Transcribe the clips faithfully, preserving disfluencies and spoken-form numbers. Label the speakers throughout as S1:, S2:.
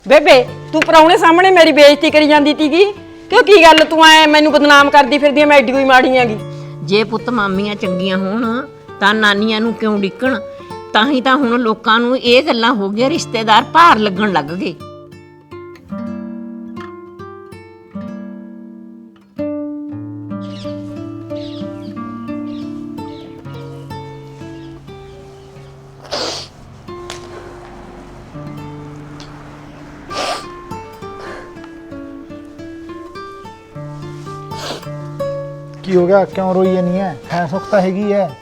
S1: ਬੇਬੇ ਤੂੰ ਪਰਾਉਣੇ ਸਾਹਮਣੇ ਮੇਰੀ ਬੇਇੱਜ਼ਤੀ ਕਰੀ ਜਾਂਦੀ ਤੀਗੀ ਕਿਉਂ ਕੀ ਗੱਲ ਤੂੰ ਐ ਮੈਨੂੰ ਬਦਨਾਮ ਕਰਦੀ ਫਿਰਦੀ ਐ ਮੈਂ ਐਡੀ ਕੋਈ ਮਾੜੀ ਆਂਗੀ।
S2: ਜੇ ਪੁੱਤ ਮਾਮੀਆਂ ਚੰਗੀਆਂ ਹੋਣ ਤਾਂ ਨਾਨੀਆਂ ਨੂੰ ਕਿਉਂ ਡਿੱਕਣ। ਤਾਂ ਹੀ ਤਾਂ ਹੁਣ ਲੋਕਾਂ ਨੂੰ ਇਹ ਗੱਲਾਂ ਹੋ ਗਈਆਂ, ਰਿਸ਼ਤੇਦਾਰ ਭਾਰ ਲੱਗਣ ਲੱਗ ਗਏ।
S3: ਕੀ ਹੋ ਗਿਆ? ਕਿਉਂ ਰੋਈ ਜਾਨੀ ਹੈ? ਹੈ ਸੁੱਖ ਤਾਂ ਹੈਗੀ ਹੈ।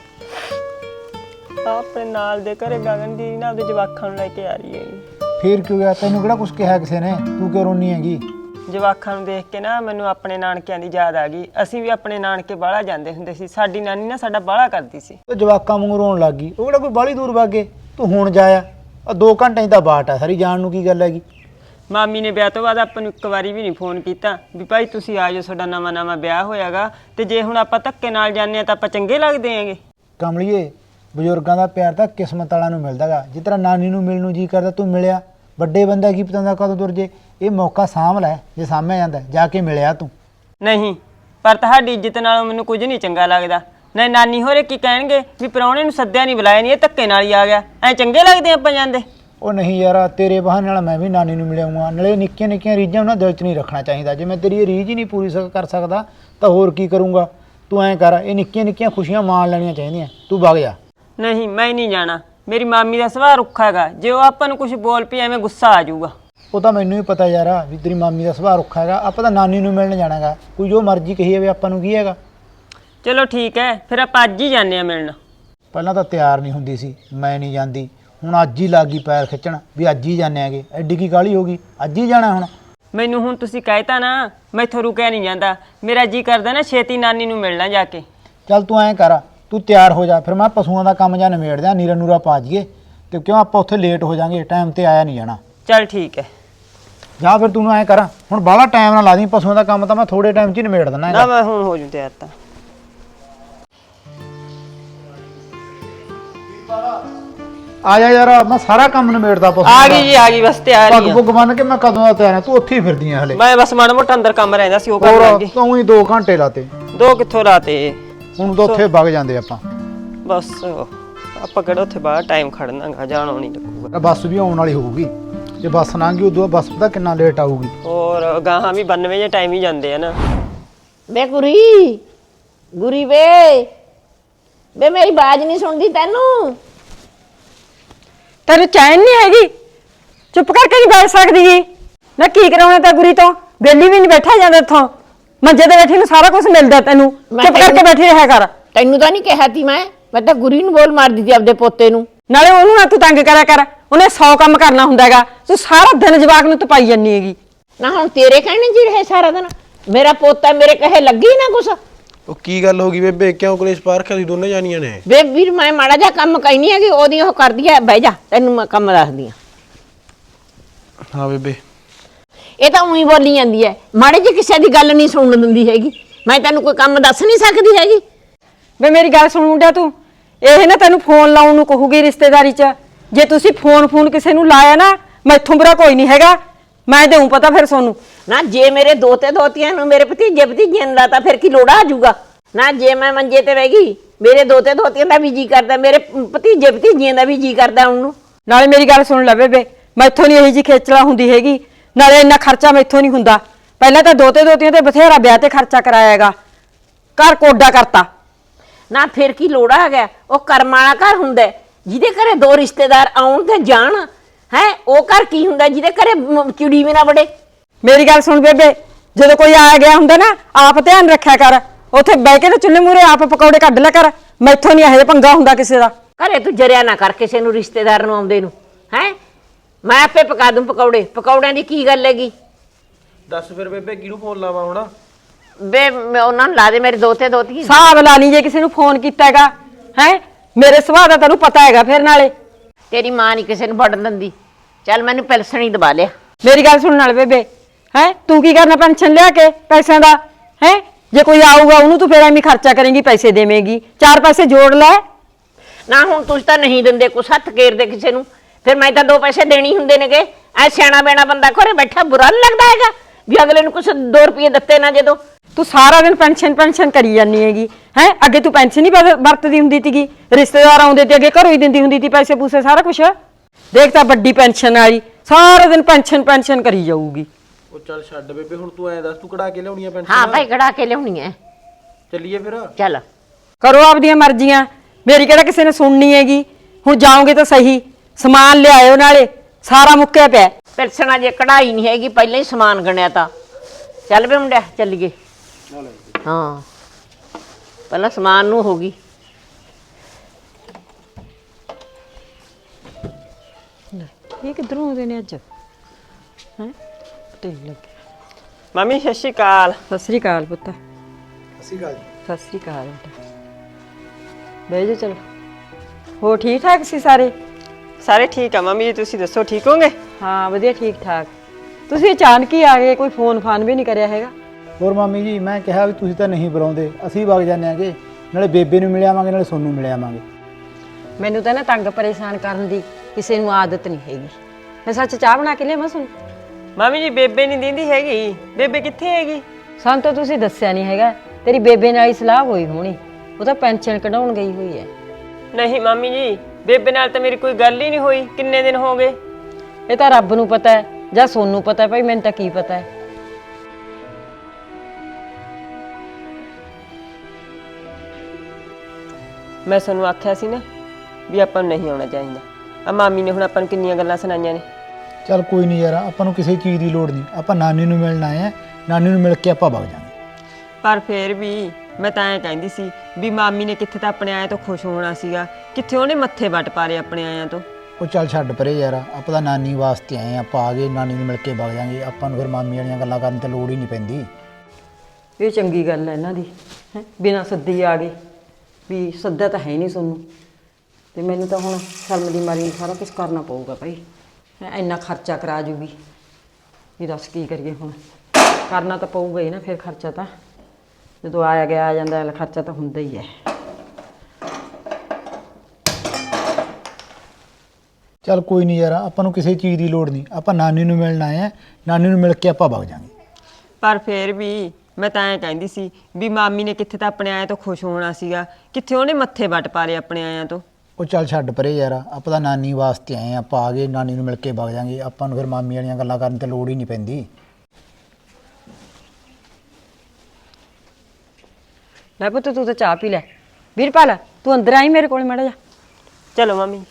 S4: ਆਪਣੇ ਨਾਲ ਦੇ ਘਰੇ ਗਗਨ ਦੀ ਨਾ ਆਪਦੇ ਜਵਾਕਾਂ ਨੂੰ ਲੈ ਕੇ ਆ ਰਹੀ ਹੈਗੀ।
S3: ਫੇਰ ਕੀ ਹੋ ਗਿਆ? ਤੈਨੂੰ ਕਿਹੜਾ ਕੁਝ ਕਿਹਾ ਕਿਸੇ ਨੇ? ਤੂੰ ਕਿਉਂ ਰੋਣੀ ਹੈਗੀ?
S4: ਜਵਾਕਾਂ ਨੂੰ ਦੇਖ ਕੇ ਨਾ ਮੈਨੂੰ ਆਪਣੇ ਨਾਨਕਿਆਂ ਦੀ ਯਾਦ ਆ ਗਈ। ਅਸੀਂ ਵੀ ਆਪਣੇ ਨਾਨਕੇ ਬਾਹਲਾ ਜਾਂਦੇ ਹੁੰਦੇ ਸੀ। ਸਾਡੀ ਨਾਨੀ ਨਾ ਸਾਡਾ ਬਾਹਲਾ ਕਰਦੀ ਸੀ।
S3: ਉਹ ਜਵਾਕਾਂ ਵਾਂਗੂ ਰੋਣ ਲੱਗ ਗਈ। ਉਹ ਕਿਹੜਾ ਕੋਈ ਬਾਹਲੀ ਦੂਰ ਵਾਗੇ? ਤੂੰ ਹੁਣ ਜਾਇਆ ਆ ਦੋ ਘੰਟੇ ਦਾ ਬਾਟ ਆ ਸਾਰੀ, ਜਾਣ ਨੂੰ ਕੀ ਗੱਲ ਹੈਗੀ?
S4: ਮਾਮੀ ਨੇ ਵਿਆਹ ਤੋਂ ਬਾਅਦ ਆਪਾਂ ਨੂੰ ਇੱਕ ਵਾਰੀ ਵੀ ਨਹੀਂ ਫੋਨ ਕੀਤਾ ਵੀ ਭਾਈ ਤੁਸੀਂ ਆ ਜਾਓ, ਤੁਹਾਡਾ ਨਵਾਂ ਨਵਾਂ ਵਿਆਹ ਹੋਇਆਗਾ ਤੇ ਜੇ ਹੁਣ ਆਪਾਂ ਧੱਕੇ ਨਾਲ ਜਾਂਦੇ ਆ ਤਾਂ ਆਪਾਂ ਚੰਗੇ ਲੱਗਦੇ ਆਂਗੇ।
S3: ਕਮਲੀਏ, ਬਜ਼ੁਰਗਾਂ ਦਾ ਪਿਆਰ ਤਾਂ ਕਿਸਮਤ ਵਾਲਿਆਂ ਨੂੰ ਮਿਲਦਾਗਾ। ਜਿਸ ਤਰ੍ਹਾਂ ਨਾਨੀ ਨੂੰ ਮਿਲਣ ਨੂੰ ਜੀ ਕਰਦਾ ਤੂੰ ਮਿਲਿਆ। ਵੱਡੇ ਬੰਦਾ ਕੀ ਪਤਾ ਕਦੋਂ ਤੁਰ ਜੇ। ਇਹ ਮੌਕਾ ਸਾਂਭ ਲੈ, ਜੇ ਸਾਂਭਿਆ ਜਾਂਦਾ ਜਾ ਕੇ ਮਿਲਿਆ ਤੂੰ।
S4: ਨਹੀਂ, ਪਰ ਤੁਹਾਡੀ ਇੱਜ਼ਤ ਨਾਲੋਂ ਮੈਨੂੰ ਕੁਝ ਨਹੀਂ ਚੰਗਾ ਲੱਗਦਾ। ਨਾ ਨਾਨੀ ਹੋਰੇ ਕੀ ਕਹਿਣਗੇ ਵੀ ਪ੍ਰਾਹੁਣੇ ਨੂੰ ਸੱਦਿਆ ਨਹੀਂ ਬੁਲਾਇਆ ਨਹੀਂ, ਇਹ ਧੱਕੇ ਨਾਲ ਹੀ ਆ ਗਿਆ। ਐ ਚੰਗੇ ਲੱਗਦੇ ਆਪਾਂ ਜਾਂਦੇ।
S3: ਉਹ ਨਹੀਂ ਯਾਰ, ਤੇਰੇ ਬਹਾਨੇ ਨਾਲ ਮੈਂ ਵੀ ਨਾਨੀ ਨੂੰ ਮਿਲਿਆਉਂਗਾ। ਨਾਲੇ ਨਿੱਕੀਆਂ ਨਿੱਕੀਆਂ ਰੀਝਾਂ ਉਹਨਾਂ ਦਿਲ 'ਚ ਨਹੀਂ ਰੱਖਣਾ ਚਾਹੀਦਾ। ਜੇ ਮੈਂ ਤੇਰੀ ਇਹ ਰੀਝ ਹੀ ਨਹੀਂ ਪੂਰੀ ਸਕ ਕਰ ਸਕਦਾ ਤਾਂ ਹੋਰ ਕੀ ਕਰੂੰਗਾ। ਤੂੰ ਐਂ ਕਰ, ਇਹ ਨਿੱਕੀਆਂ ਨਿੱਕੀਆਂ ਖੁਸ਼ੀਆਂ ਮਾਣ ਲੈਣੀਆਂ ਚਾਹੀਦੀਆਂ। ਤੂੰ ਵਗ ਜਾ।
S4: ਨਹੀਂ, ਮੈਂ ਨਹੀਂ ਜਾਣਾ। ਮੇਰੀ ਮਾਮੀ ਦਾ ਸੁਭਾਅ ਰੁੱਖਾ ਹੈਗਾ। ਜੇ ਉਹ ਆਪਾਂ ਨੂੰ ਕੁਝ ਬੋਲ ਪਈ ਐਵੇਂ ਗੁੱਸਾ ਆ ਜਾਊਗਾ।
S3: ਉਹ ਤਾਂ ਮੈਨੂੰ ਵੀ ਪਤਾ ਯਾਰ ਵੀ ਤੇਰੀ ਮਾਮੀ ਦਾ ਸੁਭਾਅ ਰੁੱਖਾ ਹੈਗਾ। ਆਪਾਂ ਤਾਂ ਨਾਨੀ ਨੂੰ ਮਿਲਣ ਜਾਣਾਗਾ। ਕੋਈ ਜੋ ਮਰਜ਼ੀ ਕਹੀ ਜਾਵੇ, ਆਪਾਂ ਨੂੰ ਕੀ ਹੈਗਾ।
S4: ਚਲੋ ਠੀਕ ਹੈ, ਫਿਰ ਆਪਾਂ ਅੱਜ ਹੀ ਜਾਂਦੇ ਆ ਮਿਲਣ।
S3: ਪਹਿਲਾਂ ਤਾਂ ਤਿਆਰ ਨਹੀਂ ਹੁੰਦੀ ਸੀ, ਮੈਂ ਨਹੀਂ ਜਾਂਦੀ। ਹੁਣ ਅੱਜ ਹੀ ਲੱਗ ਗਈ ਪੈਰ ਖਿੱਚਣ ਵੀ ਅੱਜ ਹੀ ਜਾਂਦੇ ਆਗੇ। ਐਡੀ ਕੀ ਕਾਹਲੀ ਹੋ ਗਈ? ਅੱਜ ਹੀ ਜਾਣਾ ਹੁਣ?
S4: ਮੈਨੂੰ ਹੁਣ ਤੁਸੀਂ ਕਹਿਤਾ ਨਾ, ਮੈਥੋਂ ਰੁਕਿਆ ਨਹੀਂ ਜਾਂਦਾ। ਮੇਰਾ ਜੀ ਕਰਦਾ ਨਾ ਛੇਤੀ ਨਾਨੀ ਨੂੰ ਮਿਲਣਾ ਜਾ ਕੇ।
S3: ਚੱਲ ਤੂੰ ਐਂ ਕਰ, ਤੂੰ ਤਿਆਰ ਹੋ ਜਾ। ਫਿਰ ਮੈਂ ਪਸ਼ੂਆਂ ਦਾ ਕੰਮ ਜਾਂ ਨਿਬੇੜ ਦਿਆਂ, ਨੀਰਾ ਨੂਰਾ ਪਾ ਜੀਏ ਤੇ ਕਿਉਂ ਆਪਾਂ ਉੱਥੇ ਲੇਟ ਹੋ ਜਾਾਂਗੇ। ਟਾਈਮ ਤੇ ਆਇਆ ਨਹੀਂ ਜਾਣਾ।
S4: ਚੱਲ ਠੀਕ ਹੈ।
S3: ਜਾਂ ਫਿਰ ਤੂੰ ਐਂ ਕਰ, ਹੁਣ ਬਾਹਲਾ ਟਾਈਮ ਨਾ ਲਾ ਦੀ। ਪਸ਼ੂਆਂ ਦਾ ਕੰਮ ਤਾਂ ਮੈਂ ਥੋੜੇ ਟਾਈਮ 'ਚ ਹੀ ਨਿਬੇੜ ਦਿੰਦਾ।
S4: ਨਾ ਮੈਂ ਹੁਣ ਹੋ ਜੂ ਤਿਆਰ ਤਾਂ।
S3: ਆ ਜਾ ਯਾਰ, ਮੈਂ ਸਾਰਾ ਕੰਮ ਨਿਬੇੜਦਾ ਪਸ਼ੂ
S4: ਆ ਗਈ ਜੀ, ਆ ਗਈ, ਬਸ ਤਿਆਰ
S3: ਪੱਗ
S4: ਹੀ ਆ।
S3: ਪੁੱਗ ਬੰਨ ਕੇ ਮੈਂ ਕਦੋਂ ਦਾ ਤਿਆਰ ਆ। ਤੂੰ ਉੱਥੇ ਹੀ ਫਿਰਦੀ ਆ ਹਲੇ।
S4: ਮੈਂ ਬਸ ਮਾੜਾ ਮੋਟਾ ਅੰਦਰ ਕੰਮ ਰਹਿੰਦਾ ਸੀ, ਉਹ ਕਰ
S3: ਹੋਰ
S4: ਲਾਂਗੇ।
S3: ਤੂੰ ਹੀ ਦੋ ਘੰਟੇ ਲਾਤੇ।
S4: ਦੋ ਕਿੱਥੋਂ ਲਾਤੇ?
S3: ਹੁਣ ਤਾਂ ਉੱਥੇ ਵਗ ਜਾਂਦੇ ਆਪਾਂ।
S4: ਬਸ ਆਪਾਂ ਕਿਹੜਾ ਉੱਥੇ ਬਾਹਰ ਟਾਈਮ ਖੜਨਾਗਾ, ਜਾਣਾ ਨਹੀਂ ਲੱਗੂਗਾ।
S3: ਬੱਸ ਵੀ ਆਉਣ ਵਾਲੀ ਹੋਊਗੀ। ਜੇ ਬੱਸ ਲੰਘ ਗਈ ਉਦੋਂ ਬੱਸ ਪਤਾ ਕਿੰਨਾ ਲੇਟ ਆਊਗੀ।
S4: ਹੋਰ ਗਾਹਾਂ ਵੀ ਬਾਨਵੇਂ ਜੇ ਟਾਈਮ ਹੀ ਜਾਂਦੇ ਆ ਨਾ।
S2: ਬੇ ਗੁਰੀ, ਗੁਰੀ ਵੇ ਬੇ ਮੇਰੀ ਬਾਜ਼ ਨਹੀਂ ਸੁਣਦੀ ਤੈਨੂੰ?
S1: ਤੈਨੂੰ ਚੈਨ ਨਹੀਂ ਹੈਗੀ? ਚੁੱਪ ਕਰਕੇ ਨਹੀਂ ਬੈਠ ਸਕਦੀ ਜੀ। ਨਾ ਕੀ ਕਰਾਉਣਾ ਤਾਂ ਗੁਰੀ ਤੋਂ? ਬੇਲੀ ਵੀ ਨਹੀਂ ਬੈਠਾ ਜਾਂਦਾ ਇੱਥੋਂ। ਮੰਜੇ ਤੇ ਬੈਠੀ ਨੂੰ ਸਾਰਾ ਕੁਝ ਮਿਲਦਾ ਤੈਨੂੰ।
S2: ਮੈਂ
S1: ਚੁੱਪ ਕਰਕੇ
S2: ਤੈਨੂੰ-
S1: ਬੈਠੀ ਰਿਹਾ ਕਰ।
S2: ਤੈਨੂੰ ਤਾਂ ਨਹੀਂ ਕਿਹਾ ਤੀ ਮੈਂ ਮੈਂ ਤਾਂ ਗੁਰੀ ਨੂੰ ਬੋਲ ਮਾਰਦੀ ਤੀ ਆਪਦੇ ਪੋਤੇ ਨੂੰ।
S1: ਨਾਲੇ ਉਹਨੂੰ ਨਾ ਤੂੰ ਤੰਗ ਕਰਿਆ ਕਰ। ਉਹਨੇ ਸੌ ਕੰਮ ਕਰਨਾ ਹੁੰਦਾ ਹੈਗਾ। ਤੂੰ ਸਾਰਾ ਦਿਨ ਜਵਾਕ ਨੂੰ ਤਪਾਈ ਜੰਨੀ ਹੈਗੀ।
S2: ਨਾ ਹੁਣ ਤੇਰੇ ਕਹਿਣੇ ਜੀ ਰਹੇ ਸਾਰਾ ਦਿਨ। ਮੇਰਾ ਪੋਤਾ ਮੇਰੇ ਕਹੇ ਲੱਗੀ ਨਾ ਕੁਛ।
S5: ਉਹ ਕੀ ਗੱਲ ਹੋ ਗਈ ਬੇਬੇ? ਕਿਉਂ ਕਲੇਸ਼ ਪਾ ਰੱਖਿਆ ਸੀ ਦੋਨੇ ਜਾਨੀਆਂ ਨੇ?
S2: ਵੇ ਵੀਰ ਮੈਂ ਮਾੜਾ ਜਿਹਾ ਕੰਮ ਕਹਿਨੀ ਹੈਗੀ, ਉਹਦੀ ਉਹ ਕਰਦੀ ਹੈ। ਬਹਿ ਜਾ, ਤੈਨੂੰ ਮੈਂ ਕੰਮ ਦੱਸਦੀ ਆ।
S5: ਹਾਂ ਬੇਬੇ,
S2: ਇਹ ਤਾਂ ਉਹੀ ਬੋਲੀ ਜਾਂਦੀ ਹੈ। ਮਾੜੇ ਜਿਹੀ ਕਿਸੇ ਦੀ ਗੱਲ ਨਹੀਂ ਸੁਣਨ ਦਿੰਦੀ ਹੈਗੀ। ਮੈਂ ਤੈਨੂੰ ਕੋਈ ਕੰਮ ਦੱਸ ਨਹੀਂ ਸਕਦੀ ਹੈਗੀ।
S1: ਵੇ ਮੇਰੀ ਗੱਲ ਸੁਣ ਮੁੰਡਿਆ, ਤੂੰ ਇਹ ਨਾ ਤੈਨੂੰ ਫੋਨ ਲਾਉਣ ਨੂੰ ਕਹੂਗੀ ਰਿਸ਼ਤੇਦਾਰੀ 'ਚ। ਜੇ ਤੁਸੀਂ ਫੋਨ ਫੋਨ ਕਿਸੇ ਨੂੰ ਲਾਇਆ ਨਾ, ਮੈਥੋਂ ਬੁਰਾ ਕੋਈ ਨਹੀਂ ਹੈਗਾ। ਮੈਂ ਦੇਉਂ ਪਤਾ ਫਿਰ ਤੁਹਾਨੂੰ।
S2: ਨਾ ਜੇ ਮੇਰੇ ਦੋਤੇ ਦੋਤੀਆਂ ਨੂੰ ਮੇਰੇ ਭਤੀਜੇ ਭਤੀਜੀਆਂ ਨੂੰ ਲਾਤਾ ਫਿਰ ਕੀ ਲੋੜਾ ਆ ਜਾਊਗਾ? ਨਾ ਜੇ ਮੈਂ ਮੰਜੇ ਤੇ ਬਹਿ ਗਈ, ਮੇਰੇ ਦੋਤੇ ਦੋਤੀਆਂ ਦਾ ਵੀ ਜੀ ਕਰਦਾ, ਮੇਰੇ ਭਤੀਜੇ ਭਤੀਜੀਆਂ ਦਾ ਵੀ ਜੀ ਕਰਦਾ ਉਹਨੂੰ।
S1: ਨਾਲੇ ਮੇਰੀ ਗੱਲ ਸੁਣ ਲੈ ਬੇਬੇ, ਮੈਥੋਂ ਨਹੀਂ ਇਹੀ ਜੀ ਖੇਚਲਾ ਹੁੰਦੀ ਹੈਗੀ। ਨਾਲੇ ਇੰਨਾ ਖਰਚਾ ਮੈਥੋਂ ਨਹੀਂ ਹੁੰਦਾ। ਪਹਿਲਾਂ ਤਾਂ ਦੋਤੇ ਦੋਤੀਆਂ ਤੇ ਬਥੇਰਾ ਵਿਆਹ ਤੇ ਖਰਚਾ ਕਰਾਇਆ ਹੈਗਾ। ਘਰ ਕੋਡਾ ਕਰਤਾ।
S2: ਨਾ ਫਿਰ ਕੀ ਲੋੜਾ ਆ ਗਿਆ? ਉਹ ਕਰਮ ਵਾਲਾ ਘਰ ਹੁੰਦਾ ਹੈ, ਜਿਹਦੇ ਘਰੇ ਦੋ ਰਿਸ਼ਤੇਦਾਰ ਆਉਣ ਤੇ ਜਾਣ। ਹੈ ਉਹ ਘਰ ਕੀ ਹੁੰਦਾ ਜਿਹਦੇ ਘਰੇ ਮ- ਚਿੜੀ ਵੀ ਨਾ ਵੜੇ।
S1: ਮੇਰੀ ਗੱਲ ਸੁਣ ਬੇਬੇ, ਜਦੋਂ ਕੋਈ ਆ ਗਿਆ ਹੁੰਦਾ ਨਾ, ਆਪ ਧਿਆਨ ਰੱਖਿਆ ਕਰ। ਉੱਥੇ ਬਹਿ ਕੇ ਤੇ ਚੁੱਲ੍ਹੇ ਮੂਹਰੇ ਆਪ ਪਕੌੜੇ ਕੱਢ ਲਿਆ ਕਰ। ਮੈਥੋਂ ਨਹੀਂ ਇਹੋ ਜਿਹਾ ਪੰਗਾ ਹੁੰਦਾ ਕਿਸੇ ਦਾ।
S2: ਘਰੇ ਤੂੰ ਜਰਿਆ ਨਾ ਕਰ ਕਿਸੇ ਨੂੰ, ਰਿਸ਼ਤੇਦਾਰ ਨੂੰ ਆਉਂਦੇ ਨੂੰ। ਹੈ ਮੈਂ ਆਪੇ ਪਕਾ ਦੂੰ ਪਕੌੜੇ। ਪਕੌੜਿਆਂ ਦੀ ਕੀ ਗੱਲ ਹੈਗੀ?
S5: ਦੱਸ ਫਿਰ ਬੇਬੇ ਕਿਹਨੂੰ ਫੋਨ ਲਾਵਾਂ ਹੁਣ?
S2: ਵੇ ਮੈਂ ਉਹਨਾਂ ਨੂੰ ਲਾ ਦੇ, ਮੇਰੇ ਦੋਤੇ ਦੋਤੀ।
S1: ਹਿਸਾਬ ਲਾ ਲਈ ਜੇ ਕਿਸੇ ਨੂੰ ਫੋਨ ਕੀਤਾ ਹੈਗਾ। ਹੈ ਮੇਰੇ ਸੁਭਾਅ ਦਾ ਤੈਨੂੰ ਪਤਾ ਹੈਗਾ। ਫਿਰ ਨਾਲੇ
S2: ਤੇਰੀ ਮਾਂ ਨਹੀਂ ਕਿਸੇ ਨੂੰ ਵੜਨ ਦਿੰਦੀ। ਚੱਲ ਮੈਨੂੰ ਪੈਲਸਣ ਹੀ ਦਬਾ ਲਿਆ।
S1: ਮੇਰੀ ਗੱਲ ਸੁਣ ਨਾਲ ਬੇਬੇ, ਹੈ ਤੂੰ ਕੀ ਕਰਨਾ ਪੈਨਸ਼ਨ ਲਿਆ ਕੇ ਪੈਸਿਆਂ ਦਾ? ਹੈ ਜੇ ਕੋਈ ਆਊਗਾ ਉਹਨੂੰ ਤੂੰ ਫਿਰ ਐਵੇਂ ਖਰਚਾ ਕਰੇਂਗੀ, ਪੈਸੇ ਦੇਵੇਂਗੀ। ਚਾਰ ਪੈਸੇ ਜੋੜ ਲੈ।
S2: ਨਾ ਹੁਣ ਤੁਸੀਂ ਤਾਂ ਨਹੀਂ ਦਿੰਦੇ ਕੁਛ, ਹੱਥ ਘੇਰਦੇ ਕਿਸੇ ਨੂੰ। ਫਿਰ ਮੈਂ ਤਾਂ ਦੋ ਪੈਸੇ ਦੇਣੀ ਹੁੰਦੇ ਨੇਗੇ। ਐ ਸਿਆਣਾ ਬੈਣਾ ਬੰਦਾ ਘਰੇ ਬੈਠਾ ਬੁਰਾ ਨੀ ਲੱਗਦਾ ਹੈਗਾ ਵੀ ਅਗਲੇ ਨੂੰ ਕੁਛ ਦੋ ਰੁਪਏ ਦਿੱਤੇ ਨਾ ਜਦੋਂ।
S1: ਤੂੰ ਸਾਰਾ ਦਿਨ ਪੈਨਸ਼ਨ ਪੈਨਸ਼ਨ ਕਰੀ ਜਾਂਦੀ ਹੈਗੀ ਹੈ। ਅੱਗੇ ਤੂੰ ਪੈਨਸ਼ਨ ਹੀ ਵਰ- ਵਰਤਦੀ ਹੁੰਦੀ ਸੀਗੀ, ਰਿਸ਼ਤੇਦਾਰ ਆਉਂਦੇ ਤੇ ਅੱਗੇ ਘਰੋਂ ਹੀ ਦਿੰਦੀ ਹੁੰਦੀ ਸੀ ਪੈਸੇ ਪੂਸੇ ਸਾਰਾ ਕੁਛ। ਦੇਖ ਤਾਂ ਵੱਡੀ ਪੈਨਸ਼ਨ ਆਈ, ਸਾਰਾ ਦਿਨ ਪੈਨਸ਼ਨ ਪੈਨਸ਼ਨ ਕਰੀ ਜਾਊਗੀ।
S5: ਉਹ ਚੱਲ ਛੱਡ ਬੇਬੇ, ਹੁਣ ਤੂੰ ਐਂ ਦੱਸ ਤੂੰ ਕਢਾ ਕੇ ਲਿਆਉਣੀ ਆ ਪੈਨਸ਼ਨ?
S2: ਹਾਂ ਭਾਈ ਕਢਾ ਕੇ ਲਿਆਉਣੀ ਐ।
S5: ਚੱਲੀਏ ਫਿਰ।
S2: ਚੱਲ
S1: ਕਰੋ ਆਪਦੀਆਂ ਮਰਜ਼ੀਆਂ, ਮੇਰੀ ਕਿਹੜਾ ਕਿਸੇ ਨੇ ਸੁਣਨੀ ਹੈਗੀ। ਹੁਣ ਜਾਓਗੇ ਤਾਂ ਸਹੀ, ਸਮਾਨ ਲਿਆਇਓ ਨਾਲੇ, ਸਾਰਾ ਮੁੱਕਿਆ ਪਿਆ।
S2: ਪੈਨਸ਼ਨ ਅਜੇ ਕਢਾਈ ਨਹੀਂ ਹੈਗੀ, ਪਹਿਲਾਂ ਹੀ ਸਮਾਨ ਗਣਿਆ ਤਾਂ। ਚੱਲ ਵੇ ਮੁੰਡਿਆ ਚੱਲੀਏ। ਹਾਂ ਪਹਿਲਾਂ ਸਮਾਨ ਨੂੰ ਹੋ ਗਈ।
S1: ਇਹ ਕਿੱਧਰੋਂ ਆਉਂਦੇ ਨੇ ਅੱਜ? ਹੈ ਢਿੱਲ ਲੱਗੇ।
S4: ਮੰਮੀ ਸਤਿ ਸ਼੍ਰੀ ਅਕਾਲ।
S1: ਸਤਿ ਸ੍ਰੀ ਅਕਾਲ ਪੁੱਤ।
S3: ਅਸੀਂ ਗੱਲ
S1: ਸਤਿ ਸ੍ਰੀ ਅਕਾਲ ਬੇਟਾ। ਬਹਿ ਜਾ ਚਲੋ। ਹੋ ਠੀਕ ਠਾਕ ਸੀ ਸਾਰੇ?
S4: ਸਾਰੇ ਠੀਕ ਆ ਮੰਮੀ ਜੀ, ਤੁਸੀਂ ਦੱਸੋ ਠੀਕ ਹੋਗੇ?
S1: ਹਾਂ ਵਧੀਆ ਠੀਕ ਠਾਕ। ਤੁਸੀਂ ਅਚਾਨਕ ਹੀ ਆ ਗਏ, ਕੋਈ ਫੋਨ ਫਾਨ ਵੀ ਨਹੀਂ ਕਰਿਆ ਹੈਗਾ।
S3: ਹੋਰ ਮਾਮੀ ਜੀ, ਮੈਂ ਕਿਹਾ ਵੀ ਤੁਸੀਂ ਤਾਂ ਨਹੀਂ ਬੁਲਾਉਂਦੇ, ਅਸੀਂ ਵਗ ਜਾਂਦੇ ਆਂਗੇ, ਨਾਲੇ ਬੇਬੇ ਨੂੰ ਮਿਲ ਆਵਾਂਗੇ ਨਾਲੇ ਸੋਨੂੰ ਮਿਲ ਆਵਾਂਗੇ।
S1: ਮੈਨੂੰ ਤਾਂ ਨਾ ਤੰਗ ਪਰੇਸ਼ਾਨ ਕਰਨ ਦੀ ਕਿਸੇ ਨੂੰ ਆਦਤ ਨਹੀਂ ਹੈਗੀ। ਮੈਂ ਸੱਚ ਚਾਹ ਬਣਾ ਕੇ ਲਿਆਵਾਂ ਸੁਣ?
S4: ਮੰਮੀ ਜੀ ਬੇਬੇ ਨਹੀਂ ਦਿੰਦੀ ਹੈਗੀ। ਬੇਬੇ ਕਿੱਥੇ ਹੈਗੀ?
S1: ਸਾਨੂੰ ਤਾਂ ਤੁਸੀਂ ਦੱਸਿਆ ਨਹੀਂ ਹੈਗਾ। ਤੇਰੀ ਬੇਬੇ ਨਾਲ ਹੀ ਸਲਾਹ ਹੋਈ ਹੋਣੀ, ਉਹ ਤਾਂ ਪੈਨਸ਼ਨ ਕਢਾਉਣ ਗਈ ਹੋਈ ਹੈ।
S4: ਨਹੀਂ ਮੰਮੀ ਜੀ, ਬੇਬੇ ਨਾਲ ਤਾਂ ਮੇਰੀ ਕੋਈ ਗੱਲ ਹੀ ਨਹੀਂ ਹੋਈ, ਕਿੰਨੇ ਦਿਨ ਹੋ ਗਏ।
S1: ਇਹ ਤਾਂ ਰੱਬ ਨੂੰ ਪਤਾ ਹੈ ਜਾਂ ਸੋਨੂੰ ਪਤਾ ਹੈ, ਭਾਈ ਮੈਨੂੰ ਤਾਂ ਕੀ ਪਤਾ ਹੈ।
S4: ਮੈਂ ਤੁਹਾਨੂੰ ਆਖਿਆ ਸੀ ਨਾ ਵੀ ਆਪਾਂ ਨੂੰ ਨਹੀਂ ਆਉਣਾ ਚਾਹੀਦਾ। ਆ ਮਾਮੀ ਨੇ ਹੁਣ ਆਪਾਂ ਨੂੰ ਕਿੰਨੀਆਂ ਗੱਲਾਂ ਸੁਣਾਈਆਂ ਨੇ।
S3: ਚੱਲ ਕੋਈ ਨਹੀਂ ਯਾਰ, ਆਪਾਂ ਨੂੰ ਕਿਸੇ ਚੀਜ਼ ਦੀ ਲੋੜ ਨਹੀਂ, ਆਪਾਂ ਨਾਨੀ ਨੂੰ ਮਿਲਣ ਆਏ ਆ, ਨਾਨੀ ਨੂੰ ਮਿਲ ਕੇ ਆਪਾਂ ਵਗ ਜਾਵਾਂਗੇ।
S4: ਪਰ ਫੇਰ ਵੀ ਮੈਂ ਤਾਂ ਐਂ ਕਹਿੰਦੀ ਸੀ ਵੀ ਮਾਮੀ ਨੇ ਕਿੱਥੇ ਤਾਂ ਆਪਣੇ ਆਇਆਂ ਤੋਂ ਖੁਸ਼ ਹੋਣਾ ਸੀਗਾ, ਕਿੱਥੇ ਉਹਨੇ ਮੱਥੇ ਵੱਟ ਪਾ ਲਏ ਆਪਣੇ ਆਇਆਂ ਤੋਂ।
S3: ਉਹ ਚੱਲ ਛੱਡ ਪਰੇ ਯਾਰ, ਆਪਾਂ ਤਾਂ ਨਾਨੀ ਵਾਸਤੇ ਆਏ ਆ, ਆਪਾਂ ਆ ਗਏ, ਨਾਨੀ ਨੂੰ ਮਿਲ ਕੇ ਵਗ ਜਾਵਾਂਗੇ। ਆਪਾਂ ਨੂੰ ਫਿਰ ਮਾਮੀ ਵਾਲੀਆਂ ਗੱਲਾਂ ਕਰਨ ਤੇ ਲੋੜ ਹੀ ਨਹੀਂ ਪੈਂਦੀ।
S1: ਇਹ ਚੰਗੀ ਗੱਲ ਹੈ ਇਹਨਾਂ ਦੀ, ਹੈ ਬਿਨਾਂ ਸੱਦੇ ਹੀ ਆ ਗਏ। ਵੀ ਸੱਦਾ ਤਾਂ ਹੈ ਨਹੀਂ ਸੋਨੂੰ, ਤੇ ਮੈਨੂੰ ਤਾਂ ਹੁਣ ਸ਼ਰਮ ਦੀ ਮਾਰੀ ਸਾਰਾ ਕੁਝ ਕਰਨਾ ਪਊਗਾ ਭਾਈ। ਹੈਂ, ਇੰਨਾ ਖਰਚਾ ਕਰਾ ਜੂਗੀ, ਇਹ ਦੱਸ ਕੀ ਕਰੀਏ ਹੁਣ? ਕਰਨਾ ਤਾਂ ਪਊਗਾ ਹੀ ਨਾ ਫਿਰ ਖਰਚਾ ਤਾਂ, ਜਦੋਂ ਆਇਆ ਗਿਆ ਆ ਜਾਂਦਾ ਖਰਚਾ ਤਾਂ ਹੁੰਦਾ ਹੀ ਹੈ।
S3: ਚੱਲ ਕੋਈ ਨਹੀਂ ਯਾਰ, ਆਪਾਂ ਨੂੰ ਕਿਸੇ ਚੀਜ਼ ਦੀ ਲੋੜ ਨਹੀਂ, ਆਪਾਂ ਨਾਨੀ ਨੂੰ ਮਿਲਣ ਆਏ ਆ, ਨਾਨੀ ਨੂੰ ਮਿਲ ਕੇ ਆਪਾਂ ਵਗ ਜਾਵਾਂਗੇ।
S4: ਪਰ ਫੇਰ ਵੀ ਮੈਂ ਤਾਂ ਐਂ ਕਹਿੰਦੀ ਸੀ ਵੀ ਮਾਮੀ ਨੇ ਕਿੱਥੇ ਤਾਂ ਆਪਣੇ ਆਇਆਂ ਤੋਂ ਖੁਸ਼ ਹੋਣਾ ਸੀਗਾ, ਕਿੱਥੇ ਉਹਨੇ ਮੱਥੇ ਵੱਟ ਪਾ ਲਏ ਆਪਣੇ ਆਇਆਂ ਤੋਂ।
S3: ਉਹ ਚੱਲ ਛੱਡ ਪਰੇ ਯਾਰ, ਆਪਾਂ ਤਾਂ ਨਾਨੀ ਵਾਸਤੇ ਆਏ ਆ, ਆਪਾਂ ਆ ਗਏ, ਨਾਨੀ ਨੂੰ ਮਿਲ ਕੇ ਵਗ ਜਾਵਾਂਗੇ। ਆਪਾਂ ਨੂੰ ਫਿਰ ਮਾਮੀ ਵਾਲੀਆਂ ਗੱਲਾਂ ਕਰਨ ਤੇ ਲੋੜ ਹੀ ਨਹੀਂ ਪੈਂਦੀ।
S1: ਲੈ ਪੁੱਤ ਤੂੰ ਤਾਂ ਚਾਹ ਪੀ ਲੈ। ਵੀਰਪਾਲ ਤੂੰ ਅੰਦਰ ਆਈ ਮੇਰੇ ਕੋਲ ਮਾੜਾ ਜਾ।
S4: ਚਲੋ ਮੰਮੀ।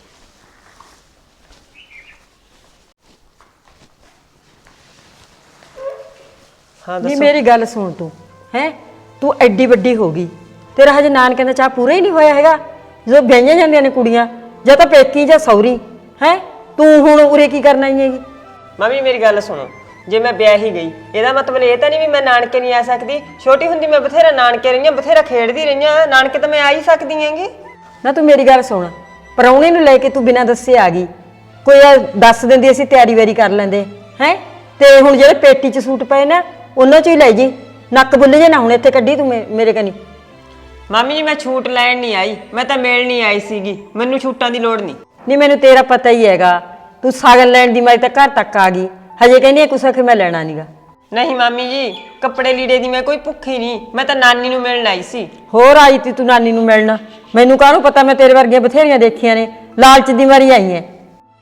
S4: ਹਾਂ
S1: ਨਹੀਂ
S4: ਦੱਸੋ।
S1: ਮੇਰੀ ਗੱਲ ਸੁਣ ਤੂੰ, ਹੈ ਤੂੰ ਐਡੀ ਵੱਡੀ ਹੋ ਗਈ, ਤੇਰਾ ਹਜੇ ਨਾਨਕਿਆਂ ਦਾ ਚਾਹ ਪੂਰਾ ਹੀ ਨਹੀਂ ਹੋਇਆ ਹੈਗਾ। ਜਦੋਂ ਵਿਆਹੀਆਂ ਜਾਂਦੀਆਂ ਨੇ ਕੁੜੀਆਂ, ਜਾਂ ਤਾਂ ਪੇਕੀ ਜਾਂ ਸੌਰੀ, ਹੈ ਤੂੰ ਹੁਣ ਉਰੇ ਕੀ ਕਰਨ ਆਈ ਹੈਗੀ?
S4: ਮੰਮੀ ਮੇਰੀ ਗੱਲ ਸੁਣੋ, ਜੇ ਮੈਂ ਵਿਆਹ ਹੀ ਗਈ ਇਹਦਾ ਮਤਲਬ ਇਹ ਤਾਂ ਨਹੀਂ ਵੀ ਮੈਂ ਨਾਨਕੇ ਨਹੀਂ ਆ ਸਕਦੀ। ਛੋਟੀ ਹੁੰਦੀ ਮੈਂ ਬਥੇਰਾ ਨਾਨਕੇ ਰਹੀਆਂ, ਬਥੇਰਾ ਖੇਡਦੀ ਰਹੀਆਂ, ਨਾਨਕੇ ਤਾਂ ਮੈਂ ਆ ਹੀ ਸਕਦੀ ਹੈਗੀ।
S1: ਨਾ ਤੂੰ ਮੇਰੀ ਗੱਲ ਸੁਣ, ਪ੍ਰਾਹੁਣੇ ਨੂੰ ਲੈ ਕੇ ਤੂੰ ਬਿਨਾਂ ਦੱਸੇ ਆ ਗਈ। ਕੋਈ ਇਹ ਦੱਸ ਦਿੰਦੀ ਅਸੀਂ ਤਿਆਰੀ ਵਾਰੀ ਕਰ ਲੈਂਦੇ ਹੈ। ਤੇ ਹੁਣ ਜਿਹੜੇ ਪੇਟੀ 'ਚ ਸੂਟ ਪਏ ਨਾ ਉਹਨਾਂ 'ਚ ਹੀ ਲੈ ਜੀ, ਨੱਕ ਬੁੱਲ ਜੇ ਨਾ ਹੁਣ ਇੱਥੇ ਕੱਢੀ ਤੂੰ ਮੇ- ਮੇਰੇ ਕਨੀ।
S4: ਮਾਮੀ ਜੀ ਮੈਂ ਛੂਟ ਲੈਣ ਨਹੀਂ ਆਈ, ਮੈਂ ਤਾਂ ਮਿਲਣ ਨਹੀਂ ਆਈ ਸੀਗੀ, ਮੈਨੂੰ ਛੂਟਾਂ ਦੀ ਲੋੜ ਨਹੀਂ।
S1: ਨਹੀਂ ਮੈਨੂੰ ਤੇਰਾ ਪਤਾ ਹੀ ਹੈਗਾ, ਤੂੰ ਸਾਗਨ ਲੈਣ ਦੀ ਮਾਰੀ ਤਾਂ ਘਰ ਤੱਕ ਆ ਗਈ, ਹਜੇ ਕਹਿੰਦੀ ਕੁਛ ਕਿ ਮੈਂ ਲੈਣਾ ਨੀਗਾ।
S4: ਨਹੀਂ ਮਾਮੀ ਜੀ, ਕੱਪੜੇ ਲੀੜੇ ਦੀ ਮੈਂ ਕੋਈ ਭੁੱਖੀ ਨਹੀਂ, ਮੈਂ ਤਾਂ ਨਾਨੀ ਨੂੰ ਮਿਲਣ ਆਈ ਸੀ।
S1: ਹੋਰ ਆਈ ਤੀ ਤੂੰ ਨਾਨੀ ਨੂੰ ਮਿਲਣਾ? ਮੈਨੂੰ ਕਾਹਨੂੰ ਪਤਾ, ਮੈਂ ਤੇਰੇ ਵਰਗੀਆਂ ਬਥੇਰੀਆਂ ਦੇਖੀਆਂ ਨੇ, ਲਾਲਚ ਦੀ ਮਾਰੀ ਆਈ ਐ।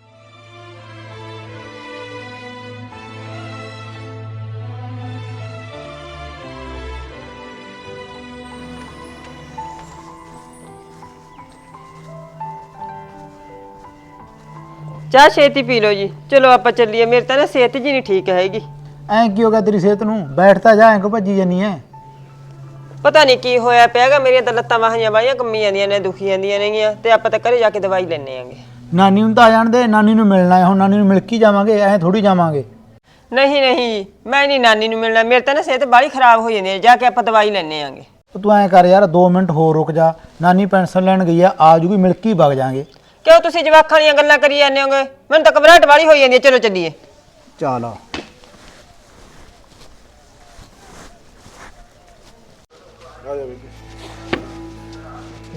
S4: ਚਾਹ ਛੇਤੀ ਪੀ ਲਓ ਜੀ, ਚਲੋ ਆਪਾਂ ਚੱਲੀਏ, ਮੇਰੇ ਤਾਂ ਨਾ ਸਿਹਤ ਜੀ ਨਹੀਂ ਠੀਕ ਹੈਗੀ।
S3: ਐਂ ਕੀ ਹੋ ਗਿਆ ਤੇਰੀ ਸਿਹਤ ਨੂੰ? ਬੈਠ ਤਾਂ ਜਾ, ਐਂ ਕੋ ਭੱਜੀ ਜਾਨੀ ਐ?
S4: ਪਤਾ ਨਹੀਂ ਕੀ ਹੋਇਆ ਪਿਆਗਾ, ਮੇਰੀਆਂ ਤਾਂ ਲੱਤਾਂ ਬਾਹਾਂ ਬਾਹੀਆਂ ਕੰਮੀ ਜਾਂਦੀਆਂ ਨੇ, ਦੁਖੀ ਜਾਂਦੀਆਂ ਨੇਗੀਆਂ, ਤੇ ਆਪਾਂ ਤਾਂ ਘਰੇ ਜਾ ਕੇ ਦਵਾਈ ਲੈਣੇ ਆਂਗੇ।
S3: ਨਾਨੀ ਨੂੰ ਤਾਂ ਆ ਜਾਣ ਦੇ, ਨਾਨੀ ਨੂੰ ਮਿਲਣਾ ਹੈ, ਹੁਣ ਨਾਨੀ ਨੂੰ ਮਿਲ ਕੇ ਜਾਵਾਂਗੇ, ਐਂ ਥੋੜੀ ਜਾਵਾਂਗੇ।
S4: ਨਹੀਂ ਨਹੀਂ ਮੈਂ ਨਹੀਂ ਨਾਨੀ ਨੂੰ ਮਿਲਣਾ, ਮੇਰੇ ਤਾਂ ਨਾ ਸਿਹਤ ਬਾਹਲੀ ਖਰਾਬ ਹੋ ਜਾਂਦੀ ਹੈ, ਜਾ ਕੇ ਆਪਾਂ ਦਵਾਈ ਲੈਣੇ ਆਂਗੇ।
S3: ਤੂੰ ਐਂ ਕਰ ਯਾਰ, ਦੋ ਮਿੰਟ ਹੋਰ ਰੁਕ ਜਾ, ਨਾਨੀ ਪੈਨਸ਼ਨ ਲੈਣ ਗਈ ਆ, ਆ ਜੂਗੀ, ਮਿਲ ਕੇ ਹੀ ਵਗ ਜਾਾਂਗੇ।
S4: ਕਿਉਂ ਤੁਸੀਂ ਜਵਾਕਾਂ ਦੀਆਂ ਗੱਲਾਂ ਕਰੀ ਜਾਂਦੇ ਹੋਗੇ? ਮੈਨੂੰ ਤਾਂ ਘਬਰਾਹਟ ਵਾਲੀ ਹੋਈ ਜਾਂਦੀ ਹੈ, ਚਲੋ ਚੱਲੀਏ।
S3: ਚੱਲ ਆ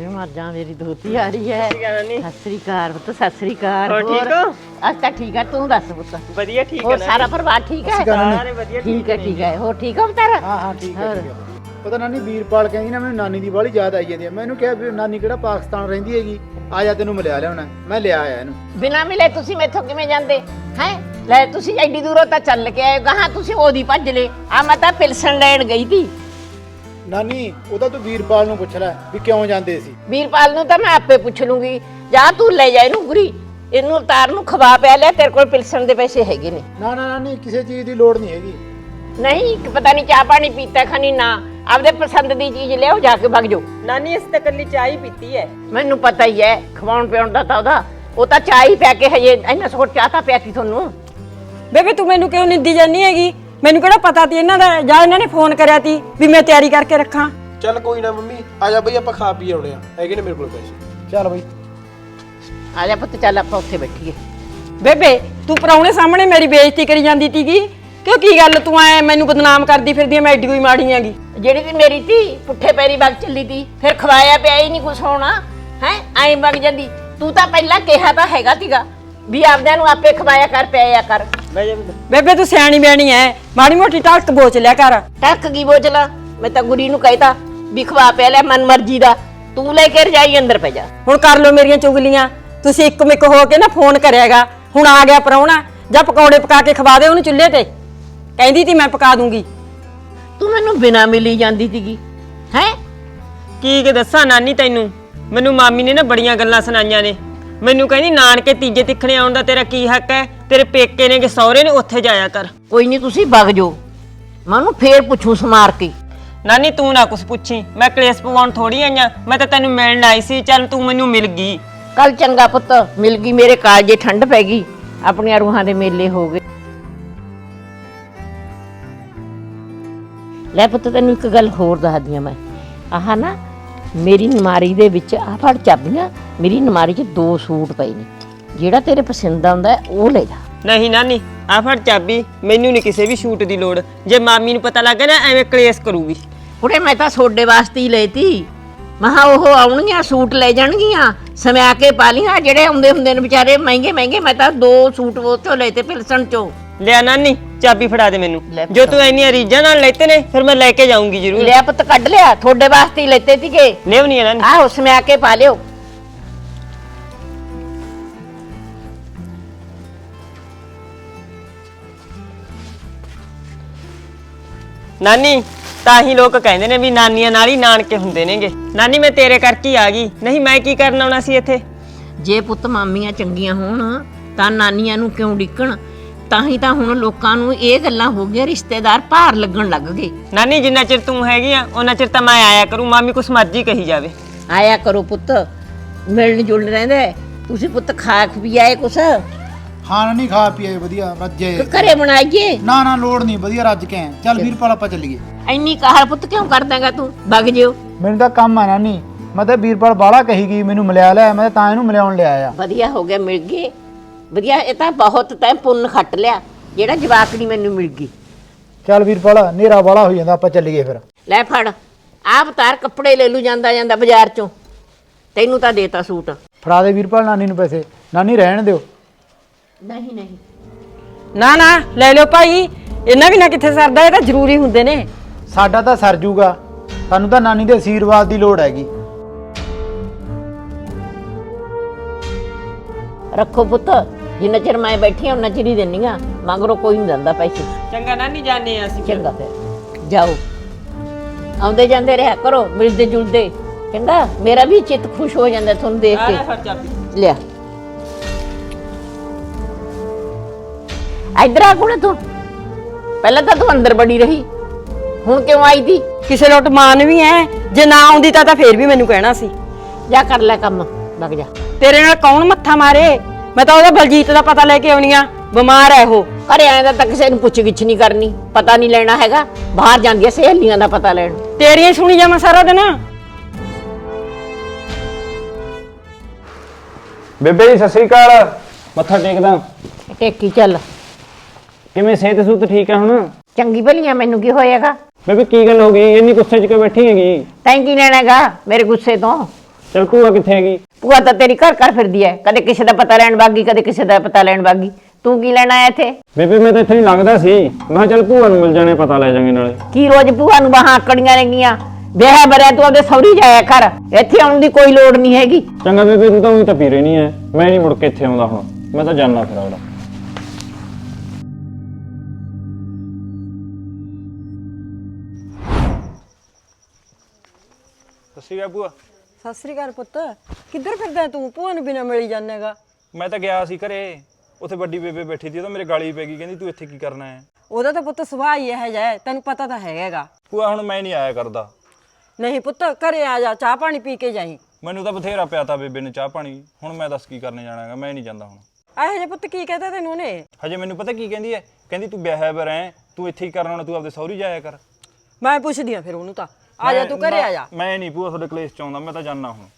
S2: ਵੇ ਮਰ ਜਾ ਮੇਰੀ ਦੋਤੀ ਆ ਰਹੀ ਹੈ ਸਤਿ ਸ੍ਰੀ ਅਕਾਲ ਪੁੱਤ ਸਤਿ ਸ੍ਰੀ ਅਕਾਲ
S4: ਹੋਰ ਠੀਕ ਹੋ?
S2: ਅੱਜ ਤਾਂ ਠੀਕ ਹੈ ਤੂੰ ਦੱਸ ਪੁੱਤ
S4: ਵਧੀਆ ਠੀਕ
S2: ਹੋਰ ਸਾਰਾ ਪਰਿਵਾਰ ਠੀਕ ਹੈ
S4: ਸਾਰੇ ਵਧੀਆ
S2: ਠੀਕ ਹੈ ਠੀਕ ਹੈ ਹੋਰ ਠੀਕ ਹੋ ਬਤਾਰਾ
S3: ਹਾਂ ਹਾਂ ਠੀਕ ਹੈ ਠੀਕ ਹੈ ਪਤਾ ਨਾਨੀ ਵੀਰਪਾਲ ਕਹਿੰਦੀ ਨਾ ਮੈਨੂੰ ਨਾਨੀ ਦੀ ਬਾਹਲੀ ਯਾਦ ਆਈ ਜਾਂਦੀ ਹੈ ਮੈਂ ਇਹਨੂੰ ਕਿਹਾ ਵੀ ਨਾਨੀ ਕਿਹੜਾ ਪਾਕਿਸਤਾਨ ਰਹਿੰਦੀ ਹੈਗੀ ਆ ਜਾ ਤੈਨੂੰ ਮਿਲਿਆ ਲਿਆਉਣਾ ਮੈਂ ਲਿਆ ਆਇਆ ਇਹਨੂੰ
S2: ਬਿਨਾ ਮਿਲੇ ਤੁਸੀਂ ਮੈਥੋਂ ਕਿਵੇਂ ਜਾਂਦੇ ਹੈ ਲੈ ਤੁਸੀਂ ਐਡੀ ਦੂਰੋਂ ਤਾਂ ਚੱਲ ਕੇ ਆਏ ਗਾਹਾਂ ਤੁਸੀਂ ਉਹਦੀ ਭੱਜ ਲੈ ਆ ਮੈਂ ਤਾਂ ਪਿਲਸਣ ਲੈਣ ਗਈ ਸੀ
S3: ਨਾਨੀ ਉਹਦਾ ਤੂੰ ਵੀਰਪਾਲ ਨੂੰ ਪੁੱਛ ਲੈ ਵੀ ਕਿਉਂ ਜਾਂਦੇ ਸੀ
S2: ਵੀਰਪਾਲ ਨੂੰ ਤਾਂ ਮੈਂ ਆਪੇ ਪੁੱਛ ਲੂੰਗੀ ਜਾ ਤੂੰ ਲੈ ਜਾ ਇਹਨੂੰ ਗੁਰੀ ਇਹਨੂੰ ਉਤਾਰ ਨੂੰ ਖਵਾ ਪਿਆ ਲਿਆ ਤੇਰੇ ਕੋਲ ਪਿਲਸਣ ਦੇ ਪੈਸੇ ਹੈਗੇ ਨੇ
S3: ਨਾ ਨਾ ਨਾਨੀ ਕਿਸੇ ਚੀਜ਼ ਦੀ ਲੋੜ ਨਹੀਂ ਹੈਗੀ
S2: ਨਹੀਂ ਪਤਾ ਨਹੀਂ ਚਾਹ ਪਾਣੀ ਪੀਤਾ ਖਾਣੀ ਨਾ ਆਪਦੇ ਪਸੰਦ ਦੀ ਚੀਜ਼ ਲਿਆਓ ਜਾ ਕੇ ਵਗ ਜਾਓ
S4: ਨਾਨੀ ਇਸ ਤੇ ਕੱਲੀ ਚਾਹ ਹੀ ਪੀਤੀ ਹੈ
S2: ਮੈਨੂੰ ਪਤਾ ਹੀ ਹੈ ਖਵਾਉਣ ਪਿਆਉਣ ਦਾ ਤਾਂ ਉਹਦਾ ਉਹ ਤਾਂ ਚਾਹ ਹੀ ਪਿਆ ਕੇ ਹਜੇ ਇੰਨਾ ਸੋਟ ਚਾਹ ਤਾਂ ਪਿਆਤੀ ਤੁਹਾਨੂੰ
S1: ਬੇਬੇ ਤੂੰ ਮੈਨੂੰ ਕਿਉਂ ਨਿੰਦੀ ਜਾਂਦੀ ਹੈਗੀ ਮੈਨੂੰ ਕਿਹੜਾ ਪਤਾ ਤੀ ਇਹਨਾਂ ਦਾ ਜਾਂ ਇਹਨਾਂ ਨੇ ਫੋਨ ਕਰਿਆ ਤੀ ਵੀ ਮੈਂ ਤਿਆਰੀ ਕਰਕੇ ਰੱਖਾਂ।
S5: ਚੱਲ ਕੋਈ ਨਾ ਮੰਮੀ ਆ ਜਾ ਬਈ ਆਪਾਂ ਖਾ ਪੀ ਆਉਣੇ ਆ ਹੈਗੇ ਨੇ ਮੇਰੇ ਕੋਲ ਪੈਸੇ।
S3: ਚੱਲ ਬਈ
S2: ਆ ਜਾ ਪੁੱਤ ਚੱਲ ਆਪਾਂ ਉੱਥੇ ਬੈਠੀਏ।
S1: ਬੇਬੇ ਤੂੰ ਪਰਾਉਣੇ ਸਾਹਮਣੇ ਮੇਰੀ ਬੇਇੱਜ਼ਤੀ ਕਰੀ ਜਾਂਦੀ ਤੀਗੀ ਕਿਉਂ ਕੀ ਗੱਲ ਤੂੰ ਐ ਮੈਨੂੰ ਬਦਨਾਮ ਕਰਦੀ ਫਿਰਦੀ ਐ ਮੈਂ ਐਡੀ ਕੋਈ ਮਾੜੀ ਆਂਗੀ।
S2: ਜਿਹੜੀ ਤੀ ਮੇਰੀ ਧੀ ਪੁੱਠੇ ਪੈਰੀ ਵਗ ਚੱਲੀ ਤੀ ਫਿਰ ਖਵਾਇਆ ਪਿਆ ਹੀ ਨਹੀਂ ਕੁਛ ਹੋਣਾ ਹੈ ਐਂ ਵਗ ਜਾਂਦੀ ਤੂੰ ਤਾਂ ਪਹਿਲਾਂ ਕਿਹਾ ਤਾਂ ਹੈਗਾ ਤੀਗਾ ਵੀ ਆਪਦਿਆਂ ਨੂੰ ਆਪੇ ਖਵਾਇਆ ਕਰ ਪਿਆਇਆ ਕਰ।
S1: ਬੇਬੇ ਤੂੰ ਸਿਆਣੀ ਬਿਆਣੀ ਐ ਮਾੜੀ ਮੋਟੀ ਟਾਕ ਬੋਚ ਲਿਆ ਕਰ।
S2: ਟੱਕ ਕੀ ਬੋਝਲਾ ਮੈਂ ਤਾਂ ਗੁਰੀ ਨੂੰ ਕਹਿਤਾ ਵੀ ਖਵਾ ਪਿਆ ਲੈ ਮਨ ਮਰਜ਼ੀ ਦਾ ਤੂੰ ਲੈ ਕੇ ਰਜਾਈ ਅੰਦਰ ਪੈ ਜਾ।
S1: ਹੁਣ ਕਰ ਲੋ ਮੇਰੀਆਂ ਚੁਗਲੀਆਂ ਤੁਸੀਂ ਇੱਕ ਮਿੱਕ ਹੋ ਕੇ ਨਾ ਫੋਨ ਕਰਿਆਗਾ ਹੁਣ ਆ ਗਿਆ ਪਰਾਉਣਾ ਜਾਂ ਪਕੌੜੇ ਪਕਾ ਕੇ ਖਵਾ ਦੇ ਉਹਨੂੰ ਚੁੱਲ੍ਹੇ ਤੇ ਕਹਿੰਦੀ ਤੀ ਮੈਂ ਪਕਾ ਦੂੰਗੀ।
S2: ਤੂੰ ਮੈਨੂੰ ਬਿਨਾ ਮਿਲੀ ਜਾਂਦੀ ਸੀਗੀ ਹੈ
S4: ਕੀ ਕਿ ਦੱਸਾਂ ਨਾਨੀ ਤੈਨੂੰ ਮੈਨੂੰ ਮਾਮੀ ਨੇ ਨਾ ਬੜੀਆਂ ਗੱਲਾਂ ਸੁਣਾਈਆਂ ਨੇ ਮੈਨੂੰ ਕਹਿੰਦੀ ਨਾਨਕੇ ਤੀਜੇ ਤਿੱਖਣੇ ਆਉਣ ਦਾ ਤੇਰਾ ਕੀ ਹੱਕ ਹੈ ਤੇਰੇ ਪੇਕੇ ਨੇ ਕਿ ਸਹੁਰੇ ਨੇ ਉੱਥੇ ਜਾਇਆ ਕਰ।
S2: ਕੋਈ ਨਹੀਂ ਤੁਸੀਂ ਵਗ ਜਾਓ ਮੈਂ ਉਹਨੂੰ ਫੇਰ ਪੁੱਛੂ ਸਮਾਰ ਕੇ।
S4: ਨਾਨੀ ਤੂੰ ਨਾ ਕੁਛ ਪੁੱਛੀ ਮੈਂ ਕਲੇਸ਼ ਪਵਾਉਣ ਥੋੜੀ ਆਈਆਂ ਮੈਂ ਤਾਂ ਤੈਨੂੰ ਮਿਲਣ ਆਈ ਸੀ ਚੱਲ ਤੂੰ ਮੈਨੂੰ ਮਿਲ ਗਈ।
S2: ਕੱਲ ਚੰਗਾ ਪੁੱਤ ਮਿਲ ਗਈ ਮੇਰੇ ਕਾਲਜੇ ਠੰਡ ਪੈ ਗਈ ਆਪਣੀਆਂ ਰੂਹਾਂ ਦੇ ਮੇਲੇ ਹੋ ਗਏ। ਲੈ ਪੁੱਤ ਤੈਨੂੰ ਇੱਕ ਗੱਲ ਹੋਰ ਦੱਸਦੀ ਆ ਮੈਂ ਆਹ ਨਾ ਮੇਰੀ ਨਮਾਰੀ ਦੇ ਵਿੱਚ ਆ ਫੜ ਚਾਬੀਆਂ ਮੇਰੀ ਨਮਾਰੀ 'ਚ ਦੋ ਸੂਟ ਪਏ ਨੇ ਜਿਹੜਾ ਤੇਰੇ ਪਸੰਦ ਆਉਂਦਾ ਉਹ ਲੈ ਜਾ।
S4: ਨਹੀਂ ਨਾਨੀ ਆ ਫੜ ਚਾਬੀ ਮੈਨੂੰ ਨਹੀਂ ਕਿਸੇ ਵੀ ਸ਼ੂਟ ਦੀ ਲੋੜ ਜੇ ਮਾਮੀ ਨੂੰ ਪਤਾ ਲੱਗ ਗਿਆ ਨਾ ਐਵੇਂ ਕਲੇਸ਼ ਕਰੂਗੀ।
S2: ਕੁੜੇ ਮੈਂ ਤਾਂ ਸੋਡੇ ਵਾਸਤੇ ਹੀ ਲੈਤੀ ਮਹਾ ਉਹ ਆਉਣਗੀਆਂ ਸੂਟ ਲੈ ਜਾਣਗੀਆਂ ਸਮਿਆ ਕੇ ਪਾ ਲੀਆਂ ਜਿਹੜੇ ਆਉਂਦੇ ਹੁੰਦੇ ਨੇ ਵਿਚਾਰੇ ਮਹਿੰਗੇ ਮਹਿੰਗੇ ਮੈਂ ਤਾਂ ਦੋ ਸੂਟ ਉਹ ਚੋਂ ਲਏ ਤੇ ਪਿਲਸਣ ਚੋਂ।
S4: ਲਿਆ ਨਾਨੀ ਚਾਬੀ ਫੜਾ ਦੇ ਮੈਨੂੰ
S2: ਲੈ ਪੁੱਤ।
S4: ਜੋ ਤੂੰ ਇੰਨੀਆਂ ਰੀਝਾਂ ਨਾਲ ਲੈਤੇ ਨੇ ਫਿਰ ਮੈਂ ਲੈ ਕੇ ਜਾਊਂਗੀ ਜ਼ਰੂਰ।
S2: ਲਿਆ ਪੁੱਤ ਕੱਢ ਲਿਆ ਤੁਹਾਡੇ ਵਾਸਤੇ ਹੀ ਲੈਤੇ ਸੀਗੇ
S4: ਲਿਆਉਣੀ ਆ ਨਾਨੀ।
S2: ਆਹੋ ਸਮਿਆ ਕੇ ਪਾ ਲਿਓ।
S4: ਨਾਨੀ ਤਾਂ ਹੀ ਲੋਕ ਕਹਿੰਦੇ ਨੇ ਵੀ ਨਾਨੀਆਂ ਨਾਲ ਹੀ ਨਾਨਕੇ ਹੁੰਦੇ ਨੇਗੇ। ਨਾਨੀ ਮੈਂ ਤੇਰੇ ਕਰਕੇ ਹੀ ਆ ਗਈ ਨਹੀਂ ਮੈਂ ਕੀ ਕਰਨ ਆਉਣਾ ਸੀ ਇੱਥੇ।
S2: ਜੇ ਪੁੱਤ ਮਾਮੀਆਂ ਚੰਗੀਆਂ ਹੋਣ ਤਾਂ ਨਾਨੀਆਂ ਨੂੰ ਕਿਉਂ ਡਿੱਕਣ ਤਾਂ ਹੀ ਤਾਂ ਹੁਣ ਲੋਕਾਂ ਨੂੰ ਇਹ ਗੱਲਾਂ ਹੋ ਗਈਆਂ ਰਿਸ਼ਤੇਦਾਰ ਭਾਰ ਲੱਗਣ ਲੱਗ ਗਏ।
S4: ਨਾਨੀ ਜਿੰਨਾ ਚਿਰ ਤੂੰ ਹੈਗੀ ਆ ਉਹਨਾਂ ਚਿਰ ਤਾਂ ਮੈਂ ਆਇਆ ਕਰੂੰ ਮਾਮੀ ਕੁਛ ਮਰਜ਼ੀ ਕਹੀ ਜਾਵੇ।
S2: ਆਇਆ ਕਰੋ ਪੁੱਤ ਮਿਲਣ ਜੁਲਣ ਰਹਿੰਦੇ ਤੁਸੀਂ ਪੁੱਤ ਖਾ ਵੀ ਆਏ ਕੁਛ
S3: ਹਾਂ ਨਹੀਂ ਖਾ ਪੀਏ ਵਧੀਆ ਰੱਜੇ
S2: ਕਿ ਘਰੇ ਬਣਾਈਏ।
S3: ਨਾ ਨਾ ਲੋੜ ਨਹੀਂ ਵਧੀਆ ਰੱਜ ਕੇ ਆਏ। ਚੱਲ ਵੀਰਪਾਲ ਆਪਾਂ ਚੱਲੀਏ।
S2: ਇੰਨੀ ਕਾਹਲ ਪੁੱਤ ਕਿਉਂ ਕਰਦਾਂਗਾ ਤੂੰ ਵਗ ਜਿਓ।
S3: ਮੈਨੂੰ ਤਾਂ ਕੰਮ ਆ ਨਾਨੀ ਮੈਂ ਤਾਂ ਵੀਰਪਾਲ ਬਾਹਲਾ ਕਹੀ ਗਈ ਮੈਨੂੰ ਮਿਲਿਆ ਲਿਆ ਮੈਂ ਤਾਂ ਇਹਨੂੰ ਮਿਲਿਆਉਣ ਲਿਆ ਆ।
S2: ਵਧੀਆ ਹੋ ਗਿਆ ਮਿਲ ਗਏ ਵਧੀਆ ਇਹ ਤਾਂ ਬਹੁਤ ਤੈਂ ਪੁੰਨ ਖੱਟ ਲਿਆ ਜਿਹੜਾ ਜਵਾਕੜੀ ਮੈਨੂੰ ਮਿਲ ਗਈ।
S3: ਚੱਲ ਵੀਰਪਾਲ ਹਨੇਰਾ ਬਾਹਲਾ ਹੋ ਜਾਂਦਾ ਆਪਾਂ ਚੱਲੀਏ ਫਿਰ।
S2: ਲੈ ਫੜ ਆਹ ਅਵਤਾਰ ਕੱਪੜੇ ਲੈ ਲੂ ਜਾਂਦਾ ਜਾਂਦਾ ਬਾਜ਼ਾਰ ਚੋਂ ਤੈਨੂੰ ਤਾਂ ਦੇਤਾ ਸੂਟ।
S3: ਫੜਾ ਦੇ ਵੀਰਪਾਲ ਨਾਨੀ ਨੂੰ ਪੈਸੇ ਨਾਨੀ ਰਹਿਣ ਦਿਓ।
S2: ਨਹੀਂ ਨਹੀਂ
S1: ਨਾ ਨਾ ਲੈ ਲਿਓ ਭਾਈ ਇਹਨਾਂ ਵੀ ਨਾ ਕਿੱਥੇ ਸਰਦਾ ਇਹ ਤਾਂ ਜ਼ਰੂਰੀ ਹੁੰਦੇ ਨੇ।
S3: ਸਾਡਾ ਤਾਂ ਸਰ ਜੂਗਾ ਸਾਨੂੰ ਤਾਂ ਨਾਨੀ ਦੇ ਆਸ਼ੀਰਵਾਦ ਦੀ ਲੋੜ ਹੈਗੀ।
S2: ਰੱਖੋ ਪੁੱਤ ਜਿੰਨਾ ਚਿਰ ਮੈਂ ਬੈਠੀ ਹਾਂ ਉਹਨਾਂ ਚਿਰ ਹੀ ਦਿੰਨੀ ਆ ਮਗਰੋਂ ਕੋਈ ਨਹੀਂ ਦਿੰਦਾ ਪੈਸੇ।
S4: ਚੰਗਾ ਨਾਨੀ ਜਾਣੇ ਆ ਅਸੀਂ।
S2: ਚੰਗਾ ਫਿਰ ਜਾਓ ਆਉਂਦੇ ਜਾਂਦੇ ਰਿਹਾ ਕਰੋ ਮਿਲਦੇ ਜੁਲਦੇ ਚੰਗਾ ਮੇਰਾ ਵੀ ਚਿੱਤ ਖੁਸ਼ ਹੋ ਜਾਂਦਾ ਤੁਹਾਨੂੰ ਦੇਖ
S4: ਆ ਲੈ
S2: ਕੇ।
S4: ਫੜ ਚਾਬੀ।
S2: ਲਿਆ ਇੱਧਰ ਆ ਕੋਣ ਤੂੰ ਪਹਿਲਾਂ ਤਾਂ ਤੂੰ ਅੰਦਰ ਬੜੀ ਰਹੀ ਹੁਣ ਕਿਉਂ ਆਈ ਦੀ।
S1: ਕਿਸੇ ਲੋਟ ਮਾਨ ਵੀ ਐ ਜੇ ਨਾ ਆਉਂਦੀ ਤਾਂ ਤਾਂ ਫੇਰ ਵੀ ਮੈਨੂੰ ਕਹਿਣਾ ਸੀ।
S2: ਜਾ ਕਰ ਲੈ ਕੰਮ ਲੱਗ ਜਾ।
S1: ਤੇਰੇ ਨਾਲ ਕੌਣ ਮੱਥਾ ਮਾਰੇ ਮੈਂ ਤਾਂ ਉਹਦਾ ਬਲਜੀਤ ਦਾ ਪਤਾ ਲੈ ਕੇ ਆਉਣੀ ਆ ਬਿਮਾਰ ਐ ਉਹ।
S2: ਘਰੇ ਆਏ ਦਾ ਤਾਂ ਕਿਸੇ ਨੂੰ ਪੁੱਛ ਗਿੱਛ ਨਹੀਂ ਕਰਨੀ ਪਤਾ ਨਹੀਂ ਲੈਣਾ ਹੈਗਾ ਬਾਹਰ ਜਾਂਦੀਆਂ ਸਹੇਲੀਆਂ ਦਾ ਪਤਾ ਲੈਣ।
S1: ਤੇਰੀਆਂ ਹੀ ਸੁਣੀ ਜਾਵਾਂ ਸਾਰਾ ਦਿਨ।
S6: ਬੇਬੇ ਜੀ ਸਤਿ ਸ੍ਰੀ ਅਕਾਲ। ਮੱਥਾ ਟੇਕਦਾ।
S2: ਟੇਕੀ ਚੱਲ
S6: ਕਿਵੇਂ ਸਿਹਤ ਸੁਹਤ ਠੀਕ ਹੈ ਹੁਣ?
S2: ਚੰਗੀ ਭਲੀਆਂ ਮੈਨੂੰ ਕੀ ਹੋਏਗਾ।
S6: ਬੇਬੇ ਕੀ ਗੱਲ ਹੋ ਗਈ ਇੰਨੀ ਗੁੱਸੇ 'ਚ ਕਿਉਂ ਬੈਠੀ ਹੈਗੀ?
S2: ਤੈਂ ਕੀ ਲੈਣਾ ਹੈਗਾ ਮੇਰੇ ਗੁੱਸੇ ਤੋਂ
S6: ਚਲ ਭੂਆ ਕਿੱਥੇ ਹੈਗੀ?
S2: ਭੂਆ ਤਾਂ ਤੇਰੀ ਘਰ ਘਰ ਫਿਰਦੀ ਐ, ਕਦੇ ਕਿਸੇ ਦਾ ਪਤਾ ਲੈਣ ਵਾਗੀ, ਕਦੇ ਕਿਸੇ ਦਾ ਪਤਾ ਲੈਣ ਵਾਗੀ। ਤੂੰ ਕੀ ਲੈਣ ਆਇਆ ਇੱਥੇ?
S6: ਬੇਬੇ ਮੈਂ ਤਾਂ ਇੱਥੇ ਹੀ ਲੰਘਦਾ ਸੀ, ਮੈਂ ਕਿਹਾ ਚੱਲ ਭੂਆ ਨੂੰ ਮਿਲ ਜਾਣੇ, ਪਤਾ ਲੈ ਜਾਾਂਗੇ ਨਾਲੇ।
S2: ਕੀ ਰੋਜ਼ ਭੂਆ ਨੂੰ ਬਾਹਾਂ ਆਕੜੀਆਂ ਨੇਗੀਆਂ? ਵਿਆਹ ਬਰਿਆ ਤੂੰ ਆਪਦੇ ਸਹੁਰੀ ਜਾਇਆ ਕਰ, ਇੱਥੇ ਆਉਣ ਦੀ ਕੋਈ ਲੋੜ ਨਹੀਂ ਹੈਗੀ।
S6: ਚੰਗਾ ਬੇਬੇ, ਤੂੰ ਤਾਂ ਉਹੀ ਤਾਂ ਪੀਰੇ ਨਹੀਂ ਐ, ਮੈਂ ਨਹੀਂ ਮੁੜ ਕੇ ਇੱਥੇ ਆਉਂਦਾ ਹੁਣ, ਮੈਂ ਤਾਂ ਜਾਣਾ ਫਿਰ ਅਗਲਾ।
S7: ਸੱਸੀ ਗਾ ਭੂਆ।
S1: ਸਤਿ ਸ੍ਰੀ ਅਕਾਲ ਪੁੱਤ। ਕਿੱਧਰ ਫਿਰਦਾ ਤੂੰ? ਭੂਆ ਨੂੰ ਬਿਨਾਂ ਮਿਲੀ ਜਾਣੇਗਾ।
S7: ਮੈਂ ਤਾਂ ਗਿਆ ਸੀ ਘਰੇ, ਉੱਥੇ ਵੱਡੀ ਬੇਬੇ ਬੈਠੀ ਸੀ, ਉਹ ਤਾਂ ਮੇਰੇ ਗਾਲੀ ਪੈ ਗਈ, ਕਹਿੰਦੀ ਤੂੰ ਇੱਥੇ ਕੀ ਕਰਨਾ ਹੈ?
S1: ਉਹਦਾ ਤਾਂ ਪੁੱਤ ਸੁਭਾਅ ਹੀ ਇਹੋ ਜਿਹਾ ਹੈ, ਤੈਨੂੰ ਪਤਾ ਤਾਂ ਹੈਗਾ।
S7: ਭੂਆ ਹੁਣ ਮੈਂ ਨਹੀਂ ਆਇਆ ਕਰਦਾ।
S1: ਨਹੀਂ ਪੁੱਤ, ਘਰੇ ਆ ਜਾ, ਚਾਹ ਪਾਣੀ ਪੀ ਕੇ ਜਾਈਂ।
S7: ਮੈਨੂੰ ਤਾਂ ਬਥੇਰਾ ਪਿਆਤਾ ਬੇਬੇ ਨੇ ਚਾਹ ਪਾਣੀ, ਹੁਣ ਮੈਂ ਦੱਸ ਕੀ ਕਰਨੇ ਜਾਣਾ ਹੈਗਾ, ਮੈਂ ਨਹੀਂ ਜਾਂਦਾ ਹੁਣ।
S1: ਇਹੋ ਜਿਹੇ ਪੁੱਤ ਕੀ ਕਹਤਾ ਤੈਨੂੰ ਉਹਨੇ?
S7: ਹਜੇ ਮੈਨੂੰ ਪਤਾ ਕੀ ਕਹਿੰਦੀ ਹੈ, ਕਹਿੰਦੀ ਤੂੰ ਵਿਆਹਿਆ ਬਰ ਐ, ਤੂੰ ਇੱਥੇ ਹੀ ਕਰਨਾ, ਤੂੰ ਆਪਦੇ ਸਹੁਰੀ ਜਾਇਆ ਕਰ।
S1: ਮੈਂ ਪੁੱਛਦੀ ਆ ਫਿਰ ਉਹਨੂੰ, ਤਾਂ ਆ ਜਾ, ਤੂੰ ਘਰੇ ਆ ਜਾ।
S7: ਮੈਂ ਨਹੀਂ ਭੂਆ ਤੁਹਾਡੇ ਕਲੇਸ਼ ਚ ਆਉਂਦਾ, ਮੈਂ ਤਾਂ ਜਾਣਾ ਹੁਣ।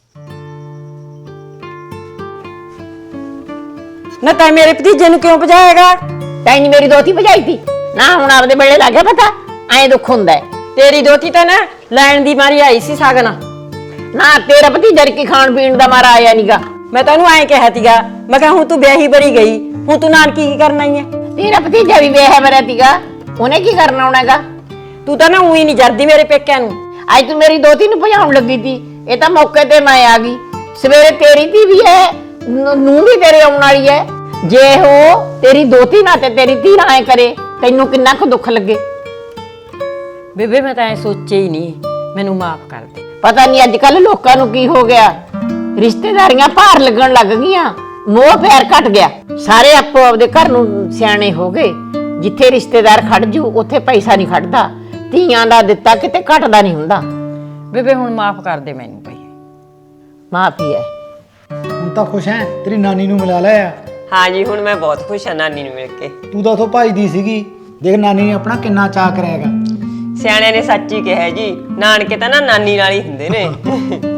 S1: ਨਾ ਤੈਂ ਮੇਰੇ ਭਤੀਜੇ ਨੂੰ ਕਿਉਂ ਭਜਾਏਗਾ?
S2: ਤੈਂ ਨੀ ਮੇਰੀ ਦੋਤੀ ਭਜਾਈ ਤੀ ਨਾ, ਹੁਣ ਆਪਦੇ ਵੇਲੇ ਲੱਗ ਗਿਆ ਪਤਾ, ਐਂ ਦੁੱਖ ਹੁੰਦਾ।
S1: ਤੇਰੀ ਦੋਤੀ ਤਾਂ ਨਾ ਲੈਣ ਦੀ ਮਾਰੀ ਆਈ ਸੀ ਸਾਗਨ।
S2: ਨਾ ਤੇਰਾ ਭਤੀਜਾ ਕੀ ਖਾਣ ਪੀਣ ਦਾ ਮਾਰਾ ਆਇਆ ਨੀਗਾ।
S1: ਮੈਂ ਤੈਨੂੰ ਐਂ ਕਿਹਾ ਤੀਗਾ, ਮੈਂ ਕਿਹਾ ਹੁਣ ਤੂੰ ਵਿਆਹੀ ਬਰੀ ਗਈ, ਹੁਣ ਤੂੰ ਨਾਨਕੀ ਕੀ ਕਰਨਾ ਹੀ ਹੈ?
S2: ਤੇਰਾ ਭਤੀਜਾ ਵੀ ਵਿਆਹ ਬਰਿਆ ਤੀਗਾ, ਉਹਨੇ ਕੀ ਕਰਨਾ ਹੋਣਾਗਾ?
S1: ਤੂੰ ਤਾਂ ਨਾ ਉਹੀ ਨਹੀਂ ਜਰਦੀ ਮੇਰੇ ਪੇਕਿਆਂ ਨੂੰ।
S2: ਅੱਜ ਤੂੰ ਮੇਰੀ ਦੋਤੀ ਨੂੰ ਭਜਾਉਣ ਲੱਗੀ ਤੀ, ਇਹ ਤਾਂ ਮੌਕੇ ਤੇ ਮੈਂ ਆ ਗਈ। ਸਵੇਰੇ ਤੇਰੀ ਧੀ ਵੀ ਹੈ, ਨੂੰ ਵੀ ਤੇਰੇ ਆਉਣ ਵਾਲੀ ਹੈ। ਜੇ ਉਹ ਤੇਰੀ ਦੋਤੀ ਨਾ ਤੇ ਤੇਰੀ ਧੀ ਨਾ ਐ ਕਰੇ, ਤੈਨੂੰ ਕਿੰਨਾ ਕੁ ਦੁੱਖ ਲੱਗੇ।
S1: ਬੇਬੇ ਮੈਂ ਤਾਂ ਐ ਸੋਚਿਆ ਹੀ ਨਹੀਂ, ਮੈਨੂੰ ਮਾਫ ਕਰ ਦੇ।
S2: ਪਤਾ ਨਹੀਂ ਅੱਜ ਕੱਲ ਲੋਕਾਂ ਨੂੰ ਕੀ ਹੋ ਗਿਆ, ਰਿਸ਼ਤੇਦਾਰੀਆਂ ਭਾਰ ਲੱਗਣ ਲੱਗ ਗਈਆਂ, ਮੋਹ ਪਿਆਰ ਘਟ ਗਿਆ। ਸਾਰੇ ਆਪੋ ਆਪਦੇ ਘਰ ਨੂੰ ਸਿਆਣੇ ਹੋ ਗਏ। ਜਿੱਥੇ ਰਿਸ਼ਤੇਦਾਰ ਖੜ ਜੂ ਉੱਥੇ ਪੈਸਾ ਨਹੀਂ ਖੜਦਾ, ਧੀਆਂ ਦਾ ਦਿੱਤਾ ਕਿਤੇ ਘਟਦਾ ਨਹੀਂ ਹੁੰਦਾ।
S1: ਬੇਬੇ ਹੁਣ ਮਾਫ ਕਰ ਦੇ ਮੈਨੂੰ ਭਾਈ।
S2: ਮਾਫੀ ਹੈ।
S3: ਹੁਣ ਤਾਂ ਖੁਸ਼ ਐ, ਤੇਰੀ ਨਾਨੀ ਨੂੰ ਮਿਲਾ ਲਿਆ।
S4: ਹਾਂ ਜੀ, ਹੁਣ ਮੈਂ ਬਹੁਤ ਖੁਸ਼ ਹਾਂ ਨਾਨੀ ਨੂੰ ਮਿਲ ਕੇ।
S3: ਤੂੰ ਤਾਂ ਉਥੋਂ ਭੱਜਦੀ ਸੀਗੀ, ਦੇਖ ਨਾਨੀ ਨੇ ਆਪਣਾ ਕਿੰਨਾ ਚਾਅ ਕਰਿਆਗਾ।
S4: ਸਿਆਣਿਆਂ ਨੇ ਸੱਚ ਹੀ ਕਿਹਾ ਜੀ, ਨਾਨਕੇ ਤਾਂ ਨਾ ਨਾਨੀ ਨਾਲ ਹੀ ਹੁੰਦੇ ਨੇ।